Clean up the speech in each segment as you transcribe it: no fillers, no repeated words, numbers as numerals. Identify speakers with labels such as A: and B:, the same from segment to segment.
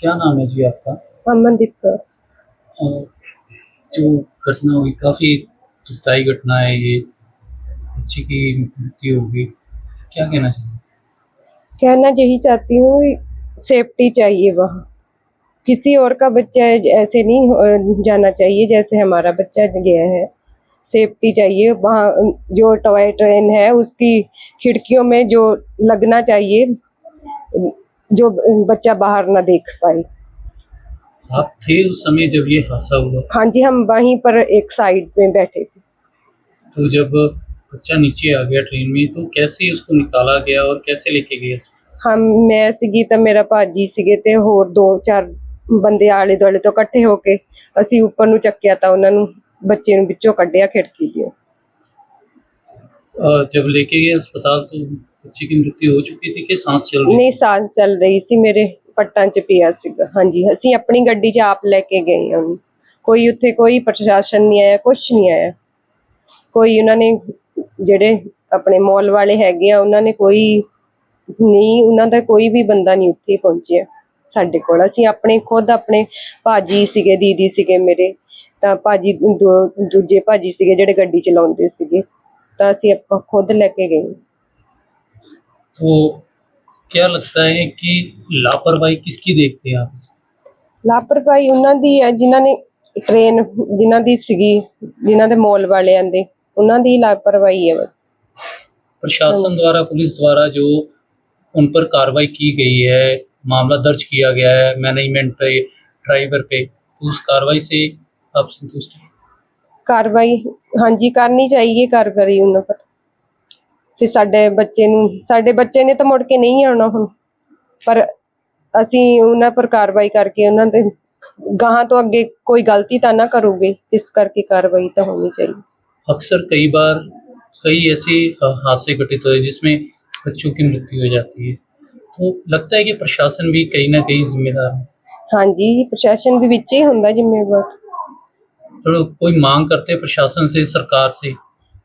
A: क्या नाम है जी आपका?
B: अमनदीप कौर।
A: अ, जो घटना हुई काफ़ी दुखदाई घटना है ये, बच्ची की मृत्यु हो गई, क्या कहना चाहिए?
B: कहना यही चाहती हूँ, सेफ्टी चाहिए वहाँ। किसी और का बच्चा ऐसे नहीं जाना चाहिए जैसे हमारा बच्चा गया है। सेफ्टी चाहिए वहाँ। जो टॉय ट्रेन है उसकी खिड़कियों में जो लगना चाहिए, जो बच्चा बाहर ना देख पाए।
A: आप थे उस समय जब ये हादसा हुआ?
B: हाँ जी, हम वहीं पर एक साइड में बैठे थे।
A: तो जब बच्चा नीचे आ गया ट्रेन में तो कैसे उसको निकाला गया और कैसे लेके गए अस्पताल?
B: हम मैं ਸੀਗੀ ਤਾਂ ਮੇਰਾ ਭਾਜੀ ਸੀਗੇ ਤੇ ਹੋਰ 2-4 ਬੰਦੇ ਆਲੇ ਦੁਆਲੇ ਤੋਂ ਇਕੱਠੇ ਹੋ ਕੇ ਅਸੀਂ ਉੱਪਰ ਨੂੰ ਚੱਕਿਆ ਤਾਂ ਉਹਨਾਂ ਨੂੰ ਬੱਚੇ ਨੂੰ ਵਿੱਚੋਂ ਕੱਢਿਆ ਖਿੜਕੀ ਦੀ।
A: जब लेके गए अस्पताल तो बच्ची की मृत्यु हो चुकी थी कि सांस चल रही
B: ਨਹੀਂ,
A: थी?
B: ਸਾਹ ਚੱਲ ਰਹੀ ਸੀ, ਮੇਰੇ ਪੱਟਾਂ 'ਚ ਪਿਆ ਸੀਗਾ। ਹਾਂਜੀ, ਅਸੀਂ ਆਪਣੀ ਗੱਡੀ 'ਚ ਆਪ ਲੈ ਕੇ ਗਏ ਹਾਂ ਉਹਨੂੰ। ਕੋਈ ਉੱਥੇ ਕੋਈ ਪ੍ਰਸ਼ਾਸਨ ਨਹੀਂ ਆਇਆ, ਕੁਛ ਨਹੀਂ ਆਇਆ। ਕੋਈ ਉਹਨਾਂ ਨੇ ਜਿਹੜੇ ਆਪਣੇ ਮੌਲ ਵਾਲੇ ਹੈਗੇ ਆ ਉਹਨਾਂ ਨੇ ਕੋਈ ਨਹੀਂ, ਉਹਨਾਂ ਦਾ ਕੋਈ ਵੀ ਬੰਦਾ ਨਹੀਂ ਉੱਥੇ ਪਹੁੰਚਿਆ ਸਾਡੇ ਕੋਲ। ਅਸੀਂ ਆਪਣੇ ਖੁਦ ਆਪਣੇ ਭਾਜੀ ਸੀਗੇ, ਦੀਦੀ ਸੀਗੇ ਮੇਰੇ, ਤਾਂ ਭਾਜੀ ਦੂਜੇ ਭਾਜੀ ਸੀਗੇ ਜਿਹੜੇ ਗੱਡੀ ਚਲਾਉਂਦੇ ਸੀਗੇ, ਤਾਂ ਅਸੀਂ ਆਪਾਂ ਖੁਦ ਲੈ ਕੇ ਗਏ।
A: तो क्या लगता है कि लापरवाही किसकी देखते हैं आप इसमें?
B: ਲਾਪਰਵਾਹੀ ਉਹਨਾਂ ਦੀ ਹੈ ਜਿਨ੍ਹਾਂ ਨੇ ਟ੍ਰੇਨ ਜਿਨ੍ਹਾਂ ਦੀ ਸੀਗੀ, ਜਿਨ੍ਹਾਂ ਦੇ ਮੌਲ ਵਾਲਿਆਂ ਦੇ, ਉਹਨਾਂ ਦੀ ਲਾਪਰਵਾਹੀ है बस।
A: प्रशासन द्वारा, पुलिस द्वारा जो उन पर कार्रवाई की गई है, मामला दर्ज किया गया है मैनेजमेंट पे, ड्राइवर पे, तो उस कार्रवाई से आप संतुष्ट हैं?
B: ਕਾਰਵਾਈ ਹਾਂਜੀ ਕਰਨੀ ਚਾਹੀਏ, ਕਾਰਵਾਈ ਉਹਨਾਂ ਪਰ। ਫਿਰ ਸਾਡੇ ਬੱਚੇ ਨੇ ਤਾਂ ਮੁੜ ਕੇ ਨਹੀਂ ਆਉਣਾ ਹੁਣ, ਪਰ ਅਸੀਂ ਉਹਨਾਂ ਪਰ ਕਾਰਵਾਈ ਕਰਕੇ ਉਹਨਾਂ ਦੇ ਗਾਹਾਂ ਤੋਂ ਅੱਗੇ ਕੋਈ ਗਲਤੀ ਤਾਂ ਨਾ ਕਰੂਗੇ, ਇਸ ਕਰਕੇ ਕਾਰਵਾਈ ਤਾਂ होनी चाहिए।
A: अक्सर कई बार कई ऐसे हादसे घटित हुए जिसमें बच्चों की मृत्यु हो जाती है, तो लगता है कि प्रशासन भी कहीं ना कहीं जिम्मेदार है।
B: ਹਾਂਜੀ, ਪ੍ਰਸ਼ਾਸਨ ਵੀ ਵਿੱਚ ਹੀ ਹੁੰਦਾ ਜ਼ਿੰਮੇਵਾਰ।
A: तो कोई मांग करते हैं प्रशासन से, सरकार से?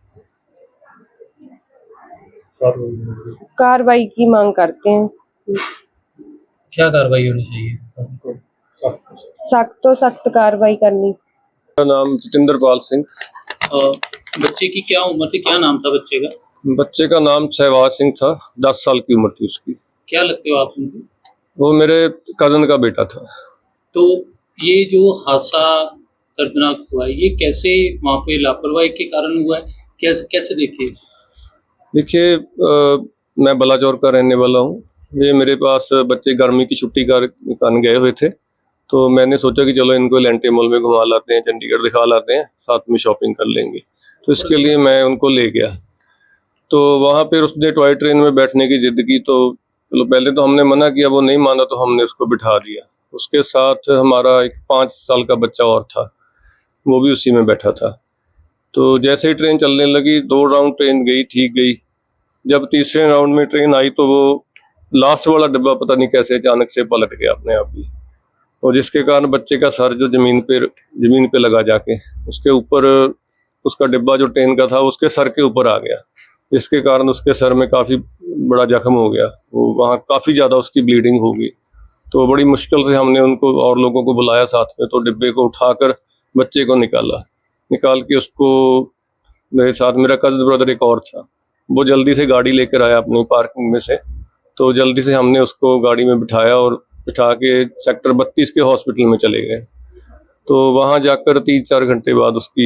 B: कार्रवाई की मांग करते हैं,
A: क्या कार्रवाई होनी चाहिए?
B: सख्त तो सख्त कार्रवाई करनी।
C: मेरा नाम जितेंद्रपाल सिंह।
A: बच्चे की क्या उम्र थी, क्या नाम था बच्चे का?
C: बच्चे का नाम सहवाज सिंह था, 10 साल की उम्र थी उसकी।
A: क्या लगते हो आप उनको?
C: वो मेरे कजन का बेटा था।
A: तो ये जो हादसा दर्दनाक हुआ है, ये कैसे वहाँ पे लापरवाही के कारण हुआ है, कैसे कैसे देखे इसे?
C: देखिए, मैं बलाचौर का रहने वाला हूँ। ये मेरे पास बच्चे गर्मी की छुट्टी का कारण गए हुए थे, तो मैंने सोचा कि चलो इनको एलेंटे मॉल में घुमा लाते हैं, चंडीगढ़ दिखा लाते हैं, साथ में शॉपिंग कर लेंगे। तो इसके लिए मैं उनको ले गया। तो वहाँ पर उसने टॉय ट्रेन में बैठने की जिद की, तो चलो पहले तो हमने मना किया, वो नहीं माना, तो हमने उसको बिठा दिया। उसके साथ हमारा एक 5 साल का बच्चा और था, वो भी उसी में बैठा था। तो जैसे ही ट्रेन चलने लगी, 2 राउंड ट्रेन गई, ठीक गई। जब तीसरे राउंड में ट्रेन आई तो वो लास्ट वाला डिब्बा पता नहीं कैसे अचानक से पलट गया अपने आप ही, और जिसके कारण बच्चे का सर जो जमीन पे लगा जाके, उसके ऊपर उसका डिब्बा जो ट्रेन का था उसके सर के ऊपर आ गया, जिसके कारण उसके सर में काफ़ी बड़ा जख्म हो गया। वो वहाँ काफ़ी ज़्यादा उसकी ब्लीडिंग हो गई। तो बड़ी मुश्किल से हमने उनको और लोगों को बुलाया साथ में, तो डिब्बे को उठाकर बच्चे को निकाल के उसको, मेरे साथ मेरा कज़न ब्रदर एक और था, वो जल्दी से गाड़ी लेकर आया अपनी पार्किंग में से। तो जल्दी से हमने उसको गाड़ी में बिठाया और बिठा के सेक्टर 32 के हॉस्पिटल में चले गए। तो वहाँ जाकर 3-4 घंटे बाद उसकी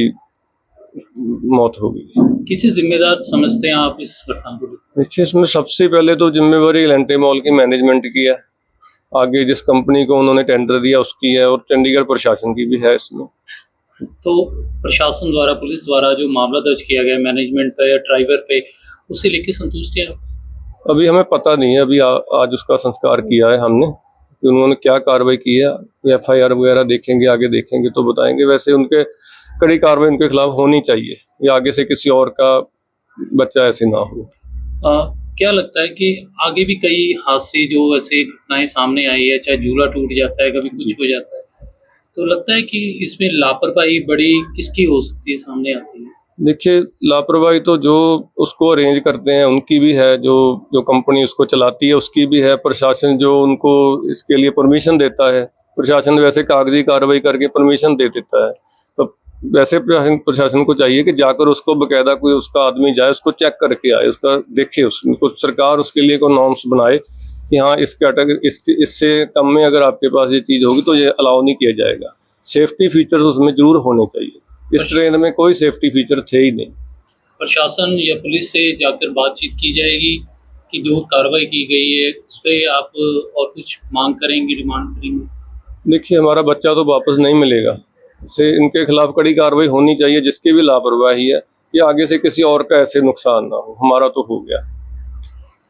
C: मौत हो गई।
A: किसे जिम्मेदार समझते हैं आप इस घटना को?
C: देखिए, इसमें सबसे पहले तो जिम्मेवारी एलेंटे मॉल की मैनेजमेंट की है, आगे जिस कंपनी को उन्होंने टेंडर दिया उसकी है, और चंडीगढ़ प्रशासन की भी है इसमें।
A: तो प्रशासन द्वारा, पुलिस द्वारा जो मामला दर्ज किया गया मैनेजमेंट पे या ड्राइवर पे, उसे लेके संतुष्ट हैं आप?
C: अभी हमें पता नहीं है, अभी आज उसका संस्कार किया है हमने, कि उन्होंने क्या कार्रवाई की है, FIR वगैरह देखेंगे, आगे देखेंगे तो बताएंगे। वैसे उनके कड़ी कार्रवाई उनके खिलाफ होनी चाहिए, या आगे से किसी और का बच्चा ऐसे ना हो।
A: क्या लगता है कि आगे भी कई हादसे जो ऐसे घटनाएं सामने आई है, चाहे झूला टूट जाता है, कभी कुछ हो जाता है, तो लगता है कि इसमें लापरवाही बड़ी किसकी हो सकती है, सामने आती है?
C: देखिए, लापरवाही तो जो उसको अरेंज करते हैं उनकी भी है, जो जो कंपनी उसको चलाती है उसकी भी है, प्रशासन जो उनको इसके लिए परमिशन देता है, प्रशासन वैसे कागजी कार्रवाई करके परमिशन दे देता है। तो वैसे प्रशासन को चाहिए कि जाकर उसको बकायदा कोई उसका आदमी जाए, उसको चेक करके आए, उसका देखे, उसको सरकार उसके लिए कोई नॉर्म्स बनाए कि हाँ इस कैटेगरी इससे कम में अगर आपके पास ये चीज़ होगी तो ये अलाउ नहीं किया जाएगा। सेफ्टी फीचर्स उसमें जरूर होने चाहिए। इस ट्रेन में कोई सेफ्टी फीचर थे ही नहीं।
A: प्रशासन या पुलिस से जाकर बातचीत की जाएगी कि जो कार्रवाई की गई है उस पर आप और कुछ मांग करेंगे, डिमांड करेंगे?
C: देखिए, हमारा बच्चा तो वापस नहीं मिलेगा। इसे इनके खिलाफ कड़ी कार्रवाई होनी चाहिए, जिसकी भी लापरवाही है, कि आगे से किसी और का ऐसे नुकसान ना हो। हमारा तो हो गया।